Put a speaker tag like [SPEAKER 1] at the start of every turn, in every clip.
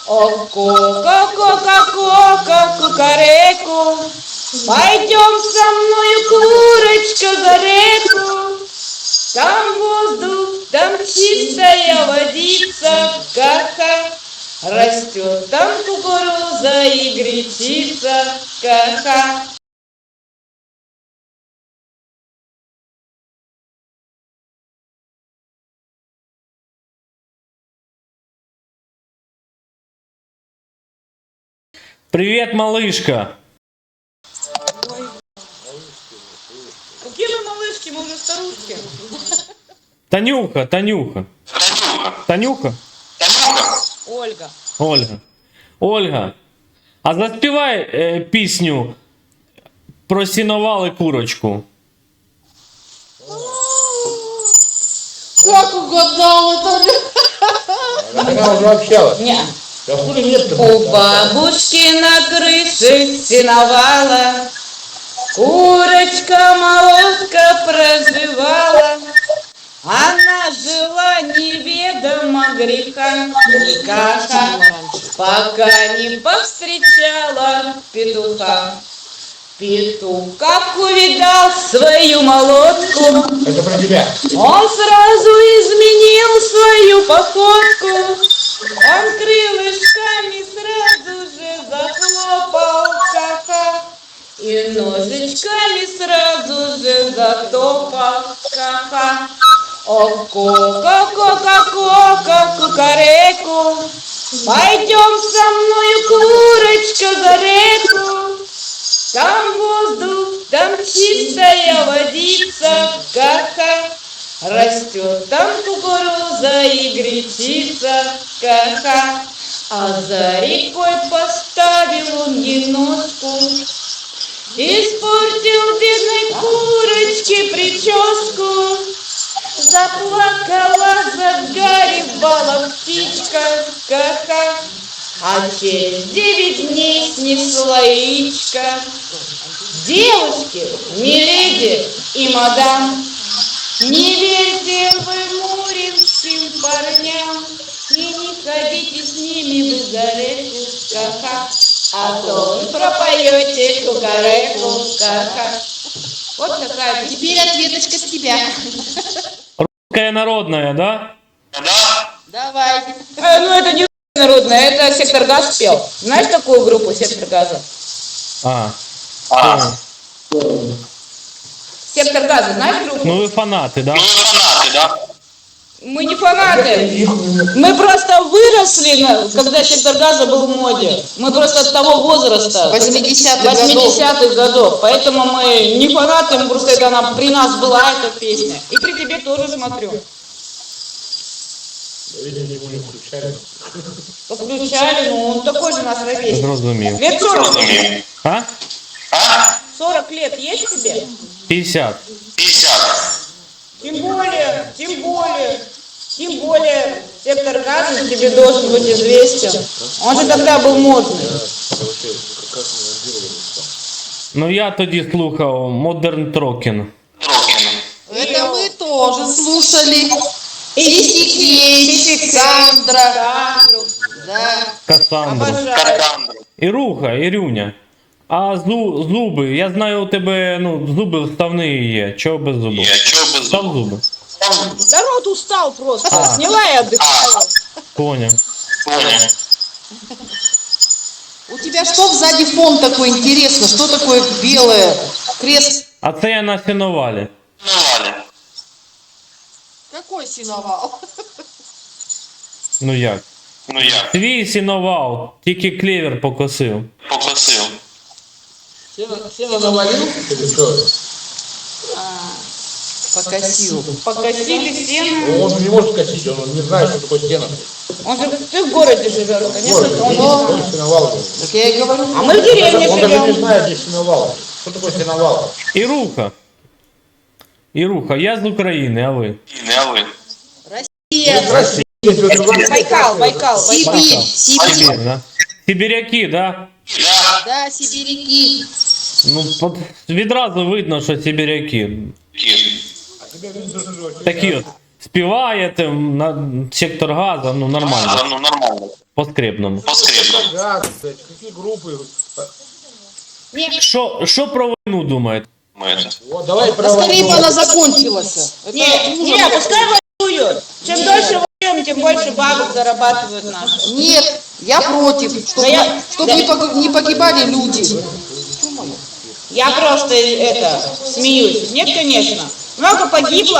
[SPEAKER 1] О, кока-кока-кока, кукареку, пойдем со мною, курочка, за реку. Там воздух, там чистая водица, ка-ка. Растет там кукуруза и гречица, ка-ка.
[SPEAKER 2] Привет, малышка.
[SPEAKER 1] Ой. Какие мы малышки, мы уже старушки.
[SPEAKER 2] Танюха. Танюха?
[SPEAKER 1] Ольга.
[SPEAKER 2] Ольга. А заспівай пісню про сіновал і курочку.
[SPEAKER 1] Как угадал это?
[SPEAKER 3] Она уже общалась.
[SPEAKER 1] Не.
[SPEAKER 3] Откуда нет?
[SPEAKER 1] У бабушки на крыше сеновала курочка-молотка проживала. Она жила неведомо греха, никака, пока не повстречала петуха. Петух, как увидал свою молотку,
[SPEAKER 3] Это про тебя.
[SPEAKER 1] он сразу изменил свою походку. Он крылышками сразу же захлопал, ха-ха, и ножичками сразу же затопал, ха-ха. О, кока-кока-кока, кукареку, пойдем со мною, курочка, за реку. Там воздух, там чистая водица, ка-ка. Растет там кукуруза и гречица, ка-ка. А за рекой поставил он енотку, испортил бедной курочке прическу. Заплакала, загоревала птичка, ка-ка. А через 9 дней снесла яичко. Девушки, миледи и мадам, не верьте вы муринским парням и не ходите с ними вы за реку, ка-ка, а то вы пропоете кукареку, ка-ка. Вот такая.
[SPEAKER 4] Теперь ответочка с тебя.
[SPEAKER 2] Русская народная, да?
[SPEAKER 4] Давай.
[SPEAKER 1] Ну это не народная, это Сектор Газ пел. Знаешь такую группу Сектор Газа?
[SPEAKER 2] Понял.
[SPEAKER 1] Сектор Газа, знаешь группу?
[SPEAKER 2] Ну вы фанаты, да?
[SPEAKER 1] Мы не фанаты. Мы просто выросли, когда Сектор Газа был в моде. Мы просто от того возраста. 80-х годов. Поэтому мы не фанаты, мы просто это она при нас была эта песня. И при тебе тоже смотрю.
[SPEAKER 3] Видимо, его не включали.
[SPEAKER 1] Подключали, ну он такой же наш ровесник.
[SPEAKER 2] Зрозумів.
[SPEAKER 1] Лет 40.
[SPEAKER 2] А?
[SPEAKER 1] 40 лет есть тебе?
[SPEAKER 2] 50.
[SPEAKER 1] Тем более, Сектор Газа тебе должен быть известен. Он же тогда был модный.
[SPEAKER 2] Ну я тоді слухав Modern Talking.
[SPEAKER 4] Это мы тоже слушали.
[SPEAKER 1] Сикей,
[SPEAKER 4] Сандра. Да.
[SPEAKER 2] Кассандру.
[SPEAKER 1] Обожаю.
[SPEAKER 2] Ірюня. А зуби, я знаю, у тебе, зуби вставні є. Чого без зубів? Став зуби.
[SPEAKER 1] Да рот устал просто.
[SPEAKER 2] А.
[SPEAKER 1] Сняла и отдыхаю.
[SPEAKER 2] Понял.
[SPEAKER 4] У тебя что сзади фон такой интересно? Что такое белое? Крест.
[SPEAKER 2] А це я на сеновалі.
[SPEAKER 4] Какой синовал?
[SPEAKER 2] Ну як? Твій сіновал, тільки клевер покосив.
[SPEAKER 3] Сено навалил? Или что?
[SPEAKER 4] Покосил.
[SPEAKER 1] Покосили сено.
[SPEAKER 3] Ну, он не может косить, он не знает, что такое стена.
[SPEAKER 1] Он же ты в городе живешь, конечно, он не
[SPEAKER 3] Он
[SPEAKER 1] знает.
[SPEAKER 3] сеновал.
[SPEAKER 4] Так я и говорю.
[SPEAKER 1] А мы в деревне
[SPEAKER 3] Он даже не
[SPEAKER 1] живем.
[SPEAKER 3] знает, где сеновал. Что такое сеновал?
[SPEAKER 2] Іруха, я з України, а ви?
[SPEAKER 4] Россия.
[SPEAKER 1] Байкал.
[SPEAKER 4] Сибирь.
[SPEAKER 2] Сибір, да? Сибіряки, да?
[SPEAKER 4] Да, сибиряки.
[SPEAKER 2] Ну, відразу видно, що сибіряки. Такі от. Співаєте на Сектор Газа, нормально. По скребному.
[SPEAKER 3] Газ, блядь, какие группы?
[SPEAKER 2] Що про війну думаєте?
[SPEAKER 3] Вот, давай
[SPEAKER 4] Да скорее бы
[SPEAKER 3] проводим.
[SPEAKER 4] она закончилась. Это
[SPEAKER 1] Не, пускай воюют. Чем дольше воюем, тем больше бабок зарабатывают наши.
[SPEAKER 4] Нет, я против,
[SPEAKER 1] Да я-
[SPEAKER 4] чтобы не погибали люди.
[SPEAKER 1] Я просто смеюсь. Нет, конечно. Много погибло,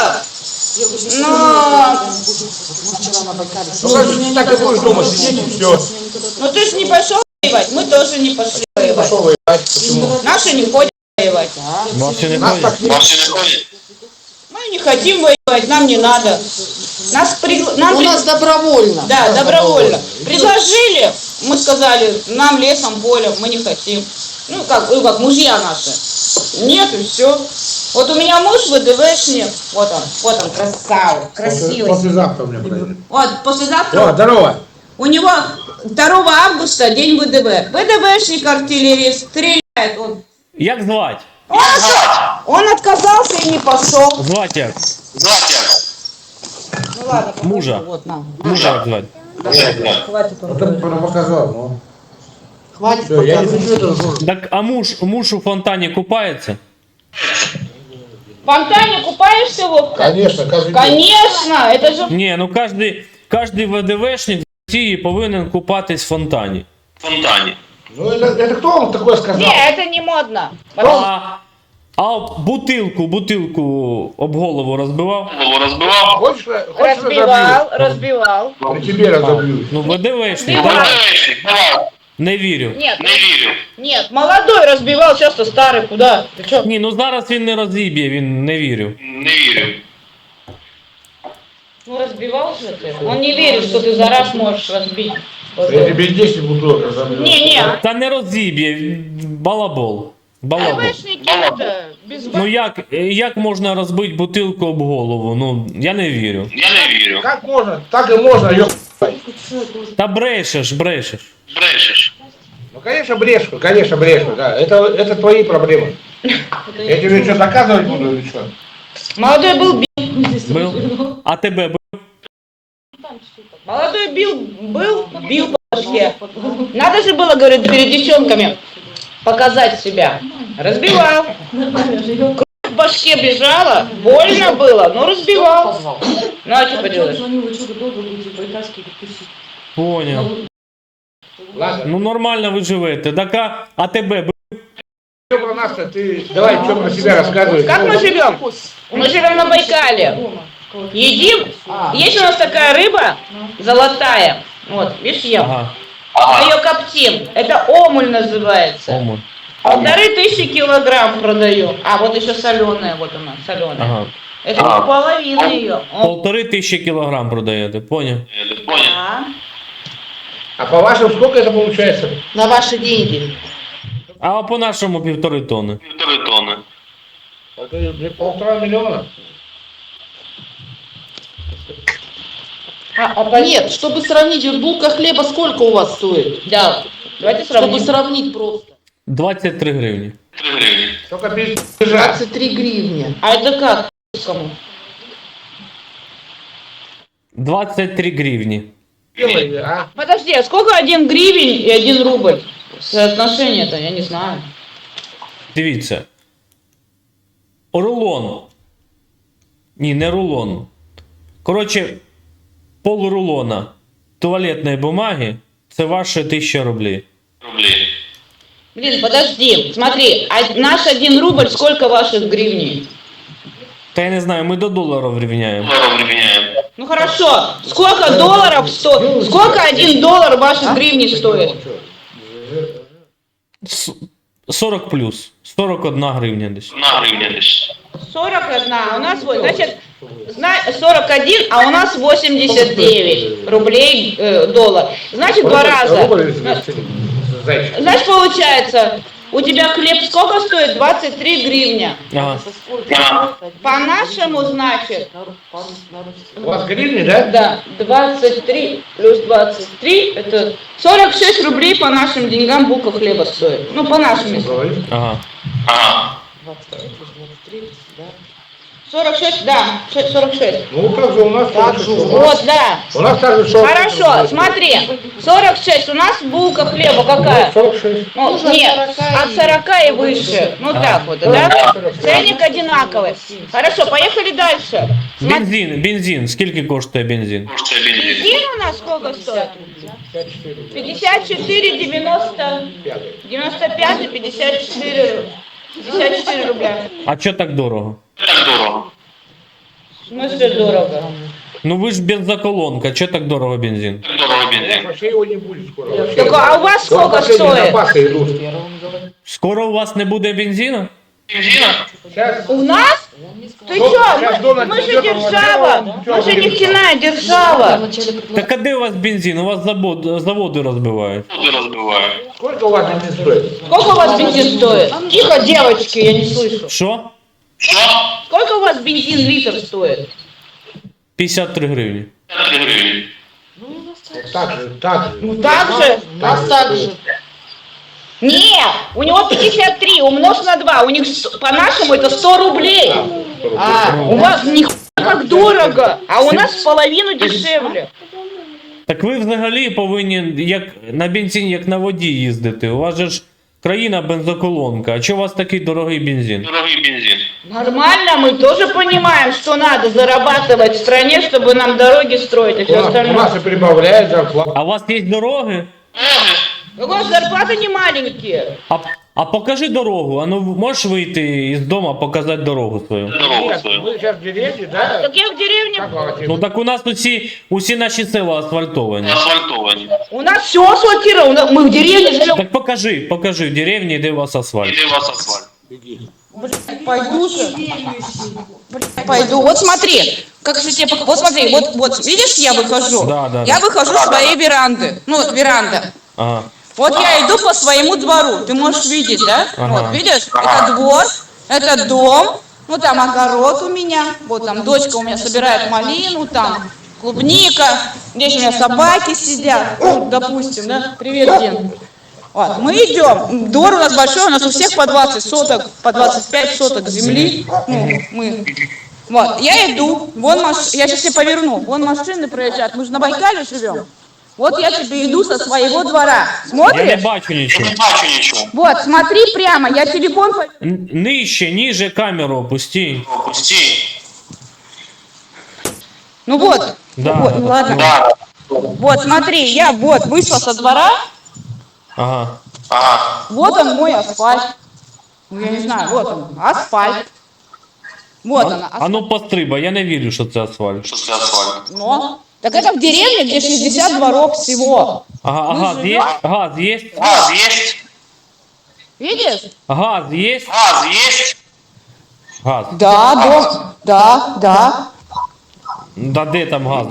[SPEAKER 1] но
[SPEAKER 3] Ну как же так и будешь дома сидеть и все.
[SPEAKER 1] ну ты же не пошел воевать, мы тоже не пошли воевать.
[SPEAKER 3] Пошел воевать, почему?
[SPEAKER 1] Наши не ходят воевать.
[SPEAKER 2] Ваші не
[SPEAKER 3] Нас
[SPEAKER 2] ходять?
[SPEAKER 3] так не...
[SPEAKER 1] Мы не хотим воевать, нам не надо.
[SPEAKER 4] У нас добровольно.
[SPEAKER 1] Да, добровольно. Предложили, мы сказали, нам лесом, полем, мы не хотим. Ну как мужья наши. Нет, и все. Вот у меня муж ВДВшник, вот он, красавец, красивый.
[SPEAKER 3] Послезавтра у меня произойдет.
[SPEAKER 1] Вот, послезавтра
[SPEAKER 3] Здорово.
[SPEAKER 1] у него 2 августа день ВДВ. ВДВшник, артиллерист, стреляет он.
[SPEAKER 2] Як звать?
[SPEAKER 1] Он отказался и не пошел.
[SPEAKER 2] Звать як?
[SPEAKER 1] Ну ладно, покажи,
[SPEAKER 2] Мужа.
[SPEAKER 1] вот, на.
[SPEAKER 2] Мужа як звать?
[SPEAKER 1] Хватит
[SPEAKER 3] Вот он показал, ну.
[SPEAKER 4] Хватит
[SPEAKER 3] Все, я не
[SPEAKER 4] показывать.
[SPEAKER 3] хочу это слушать.
[SPEAKER 2] Так, а муж у фонтані купається?
[SPEAKER 1] В фонтане купаешься, Вовка?
[SPEAKER 3] Конечно, каждый день.
[SPEAKER 1] Конечно, это же...
[SPEAKER 2] Ні, ну кожний ВДВшник в Росії повинен купатись в фонтані.
[SPEAKER 3] Ну это кто вам такое сказал?
[SPEAKER 1] Не, это не модно.
[SPEAKER 2] А бутилку об голову розбивав?
[SPEAKER 3] Хочешь
[SPEAKER 1] Разбивал.
[SPEAKER 3] При тебе разобьюсь.
[SPEAKER 2] Ну, ВДВшник,
[SPEAKER 1] Разбивав.
[SPEAKER 2] давай. Не вірю.
[SPEAKER 1] Нет, молодой разбивал, часто старый, куда? Ты чё?
[SPEAKER 2] Ні, ну зараз він не розіб'є, він не вірю.
[SPEAKER 1] Ну разбивал же ты. Он не верит, что ты за раз можешь разбить.
[SPEAKER 3] Я тебе 10 бутылок разобью.
[SPEAKER 1] Не.
[SPEAKER 2] Та не розіб'є, балабол. Балабол.
[SPEAKER 1] ВДВшники это без
[SPEAKER 2] Ну як можна розбити бутилку об голову? Ну, я не вірю.
[SPEAKER 3] Как можно? Так и можно, ёп.
[SPEAKER 2] Та брешеш.
[SPEAKER 3] Ну конечно брешу, да. Это твои проблемы. Я тебе что, доказывать буду или что?
[SPEAKER 1] Молодой был
[SPEAKER 2] Бив? А тебе бив?
[SPEAKER 1] Молодой бил по башке. Надо же было, говорит, перед девчонками показать себя. Разбивал. Кровь в башке бежала, больно было, но разбивал. Ну а что поделаешь?
[SPEAKER 2] Поняв.
[SPEAKER 3] Ладно,
[SPEAKER 2] Ну нормально ви живете. Так а тебе бив?
[SPEAKER 3] что про нас-то ты давай что про себя рассказывай.
[SPEAKER 1] Как мы живем? Мы живем на Байкале. Едим. Есть у нас такая рыба золотая. Вот, видишь, ем.
[SPEAKER 2] Ага.
[SPEAKER 1] Мы ее коптим. Это омуль называется.
[SPEAKER 2] Омон.
[SPEAKER 1] 1500 килограмм продаю. А вот еще соленая, вот она, соленая.
[SPEAKER 2] Ага.
[SPEAKER 1] Это половина ее.
[SPEAKER 2] 1500 кілограм продаєте, поняв?
[SPEAKER 3] А по-вашему сколько это получается?
[SPEAKER 4] На ваши деньги.
[SPEAKER 2] А по-нашому 1,5 тонни.
[SPEAKER 3] Это 1,5 миллиона.
[SPEAKER 4] Нет, чтобы сравнить, вот булка хлеба сколько у вас стоит?
[SPEAKER 1] Да. Давайте
[SPEAKER 4] Чтобы
[SPEAKER 1] сравним.
[SPEAKER 4] сравнить просто.
[SPEAKER 2] 23 гривні.
[SPEAKER 3] Только бежать.
[SPEAKER 4] 23 гривни.
[SPEAKER 1] А это как? Кому?
[SPEAKER 2] 23 гривні.
[SPEAKER 3] Делай, а?
[SPEAKER 1] Подожди, а сколько 1 гривень и 1 рубль? Соотношение-то, я не знаю.
[SPEAKER 2] Дивіться. Рулон. Ні, не рулон. Коротше, полрулона туалетної бумаги це ваше 1000 рублей.
[SPEAKER 1] Блин, подожди, смотри, а наш 1 рубль сколько ваших гривней?
[SPEAKER 2] Та я не знаю, ми до доларів рівняємо.
[SPEAKER 1] Ну хорошо, сколько долларов стоит? Сколько 1 доллар ваших гривней стоит?
[SPEAKER 2] 40 плюс. 41 гривня десь.
[SPEAKER 1] 41, а у нас вот, значит, 41, а у нас 89 рублей доллар. Значит, 2 раза.
[SPEAKER 3] Зайчик.
[SPEAKER 1] Значит, получается, у тебя хлеб сколько стоит? 23 гривня.
[SPEAKER 2] Ага.
[SPEAKER 1] По-нашему, значит,
[SPEAKER 3] У вас гривни, да?
[SPEAKER 1] да, 23 плюс 23, это 46 рублей по нашим деньгам булка хлеба стоит. Ну, по нашим.
[SPEAKER 2] Ага.
[SPEAKER 1] 46, да, 46.
[SPEAKER 3] Ну, как же у нас так же.
[SPEAKER 1] Вот, да.
[SPEAKER 3] У нас также 46.
[SPEAKER 1] Хорошо, смотри, 46, у нас булка хлеба какая?
[SPEAKER 3] 46.
[SPEAKER 1] Ну, нет, от 40 и выше. Ну так вот, да? Ценник одинаковый. Хорошо, поехали дальше.
[SPEAKER 2] Бензин. Скільки коштує бензин?
[SPEAKER 1] Бензин у нас сколько стоит? 54, 90, 95 и 54. 54 рубля.
[SPEAKER 2] А чо так дорого?
[SPEAKER 1] В смысле дорого?
[SPEAKER 2] Ну ви ж бензоколонка, чо так дорого бензин?
[SPEAKER 3] Вообще его не будет скоро. Вообще.
[SPEAKER 1] Так, а у вас сколько стоит?
[SPEAKER 3] Запасы идут.
[SPEAKER 2] Скоро у вас не буде бензину?
[SPEAKER 3] Сейчас.
[SPEAKER 1] У нас? Ты
[SPEAKER 3] Ну,
[SPEAKER 1] чё?
[SPEAKER 3] сейчас Дональд
[SPEAKER 1] Мы же
[SPEAKER 3] придёт,
[SPEAKER 1] держава.
[SPEAKER 3] он
[SPEAKER 1] Мы же
[SPEAKER 3] ничего не
[SPEAKER 1] нефтяная держава.
[SPEAKER 2] Так а де у вас бензин? У вас заводи розбивають.
[SPEAKER 3] Сколько у вас бензин стоит?
[SPEAKER 1] Сколько у вас бензин стоит? Тихо, девочки, я не слышу.
[SPEAKER 2] Що?
[SPEAKER 1] Сколько у вас бензин литр стоит?
[SPEAKER 2] 53 гривні.
[SPEAKER 3] Так же, так же.
[SPEAKER 1] Ну так же.
[SPEAKER 4] У нас так же.
[SPEAKER 1] Не, у него 53, умножь на 2. У них по-нашему это 100 рублей. У вас нихуя как дорого, а у нас в половину дешевле.
[SPEAKER 2] Так ви взагалі повинні як на бензин, як на воді їздити. У вас же ж країна бензоколонка. А чого у вас такий дорогий бензин?
[SPEAKER 1] Нормально, мы тоже понимаем, что надо зарабатывать в стране, чтобы нам дороги строить и все
[SPEAKER 3] У нас
[SPEAKER 1] остальное.
[SPEAKER 3] и прибавляет зарплату.
[SPEAKER 2] А у вас є дороги?
[SPEAKER 1] У вас зарплаты не маленькие.
[SPEAKER 2] А покажи дорогу. А ну можеш вийти із дому, показати дорогу свою?
[SPEAKER 3] Нет, мы сейчас в деревне, да?
[SPEAKER 1] Так я в деревне.
[SPEAKER 3] Как вам отец?
[SPEAKER 2] Ну так у нас усі наші села асфальтовані.
[SPEAKER 1] У нас все асфальтировано, мы в деревне живем.
[SPEAKER 2] Так покажи в деревні, де у вас асфальт.
[SPEAKER 1] Пойду же. Пойду. Вот смотри, как же тебе вот смотри, вот видишь, я выхожу.
[SPEAKER 2] Да.
[SPEAKER 1] Я выхожу с своей веранды. Ну вот веранда.
[SPEAKER 2] Ага.
[SPEAKER 1] Вот я иду по своему двору. Ты можешь видеть, да?
[SPEAKER 2] Ага.
[SPEAKER 1] Вот, видишь? Это двор, это дом. Ну там огород у меня. Вот там дочка у меня собирает малину, там клубника. Здесь у меня собаки сидят. Ну, допустим, да? Привет, Дин. Вот, мы идем. Двор у нас большой, у нас у всех по 20 соток, по 25 соток земли. Ну, мы. Вот, я иду. Вон я сейчас тебе поверну. Вон машины проезжают. Мы же на Байкале живем. Вот я тебе иду со своего двора.
[SPEAKER 2] Я не
[SPEAKER 1] Смотришь?
[SPEAKER 2] бачу нічого.
[SPEAKER 1] Вот, смотри прямо, я телефон...
[SPEAKER 2] Нижче, ніже камеру опусти.
[SPEAKER 1] Ну вот,
[SPEAKER 2] Да.
[SPEAKER 1] вот, ну ладно. Вот, смотри, я вот вышла со двора,
[SPEAKER 2] Ага.
[SPEAKER 1] вот он мой асфальт. Ну, я не знаю, вот он, асфальт. Вот она,
[SPEAKER 2] А ну пострибай, я не вірю, що це асфальт.
[SPEAKER 1] но. Так это в деревне, где 60 дворов всего.
[SPEAKER 2] Ага, а
[SPEAKER 1] Мы
[SPEAKER 2] газ є?
[SPEAKER 1] живем-
[SPEAKER 2] Газ є?
[SPEAKER 1] Видишь?
[SPEAKER 2] Газ є? Газ.
[SPEAKER 1] Да, дом, да.
[SPEAKER 2] Да де там газ?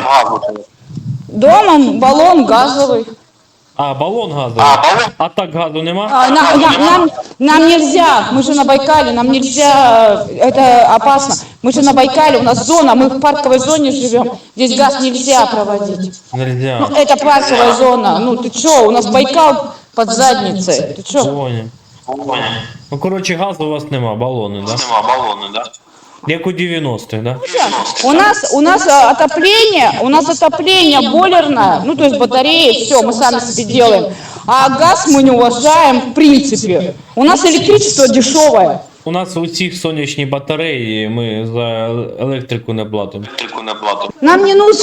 [SPEAKER 1] Домом баллон газовый.
[SPEAKER 2] А, балон газовий. А так газу нема?
[SPEAKER 1] Нам нельзя, мы же на Байкале, нам нельзя, это опасно. Мы же на Байкале, у нас зона, мы в парковой зоне живем, здесь газ нельзя проводить.
[SPEAKER 2] Нельзя.
[SPEAKER 1] Ну, это парковая зона, ну ты чё, у нас Байкал под задницей, ты чё?
[SPEAKER 2] Понял. Ну, коротше, газу у вас нема, балони, да? Як у 90-х, да?
[SPEAKER 1] У нас отопление бойлерное, ну то есть батареи, все, мы сами себе делаем. А газ мы не уважаем в принципе. У нас электричество дешевое.
[SPEAKER 2] У нас у всіх сонячні батареї, і ми за електрику не платимо.
[SPEAKER 1] Нам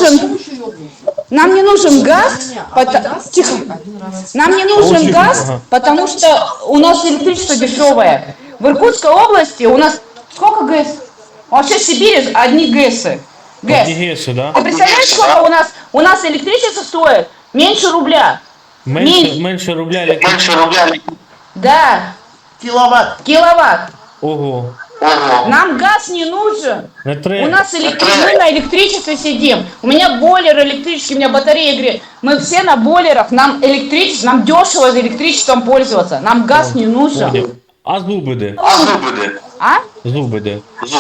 [SPEAKER 1] не нужен газ, тихо. Нам не нужен газ, потому что у нас электричество дешевое. В Иркутской области у нас сколько ГЭС? Вообще в Сибири одни ГЭСы. ГЭС.
[SPEAKER 2] Одні ГЕСи, да?
[SPEAKER 1] Ты представляешь, сколько у нас электричество стоит? Меньше рубля.
[SPEAKER 2] Менше рубля електричество.
[SPEAKER 1] Да, киловатт.
[SPEAKER 2] Ого.
[SPEAKER 1] Нам газ не нужен.
[SPEAKER 2] Не
[SPEAKER 1] У
[SPEAKER 2] треба.
[SPEAKER 1] нас мы на электричестве сидим. У меня бойлер электрический, у меня батарея греет. Мы все на бойлерах, нам электричество, нам дешево электричеством пользоваться. Нам газ не нужен.
[SPEAKER 2] Поняв. А зуби де?
[SPEAKER 1] А?
[SPEAKER 2] Зуби де?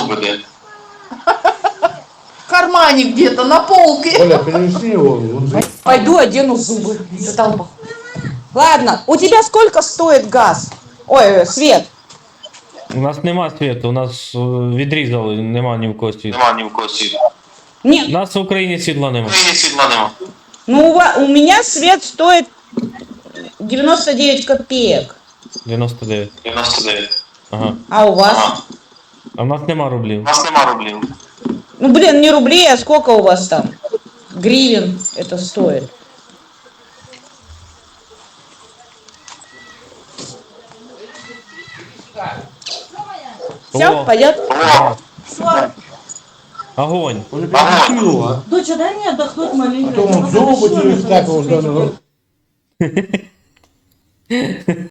[SPEAKER 4] В кармане где-то, на полке.
[SPEAKER 3] Оля, перенеси его.
[SPEAKER 1] Пойду одену зубы. Задолбал. Ладно, у тебя сколько стоит газ? Ой, свет.
[SPEAKER 2] У нас нема світу, у нас відрізали, нема ні в кого світу.
[SPEAKER 5] Нема ні в кого світу.
[SPEAKER 2] У
[SPEAKER 1] Нет,
[SPEAKER 2] нас в Україні світла нема.
[SPEAKER 5] В Україні світла нема.
[SPEAKER 1] ну у меня свет стоит 99 копеек.
[SPEAKER 2] 99.
[SPEAKER 5] 99.
[SPEAKER 2] Ага.
[SPEAKER 1] А у вас?
[SPEAKER 5] Ага.
[SPEAKER 2] А в нас нема
[SPEAKER 5] У
[SPEAKER 2] рублів.
[SPEAKER 5] нас нема рублів.
[SPEAKER 1] Ну, блин, не рублей, а сколько у вас там? Гривен это стоит. Все,
[SPEAKER 2] О.
[SPEAKER 1] пойдет?
[SPEAKER 5] О,
[SPEAKER 2] Огонь.
[SPEAKER 3] Он перекусил, а?
[SPEAKER 6] Доча, дай мне отдохнуть маленько.
[SPEAKER 3] Потом он зубы через так вот,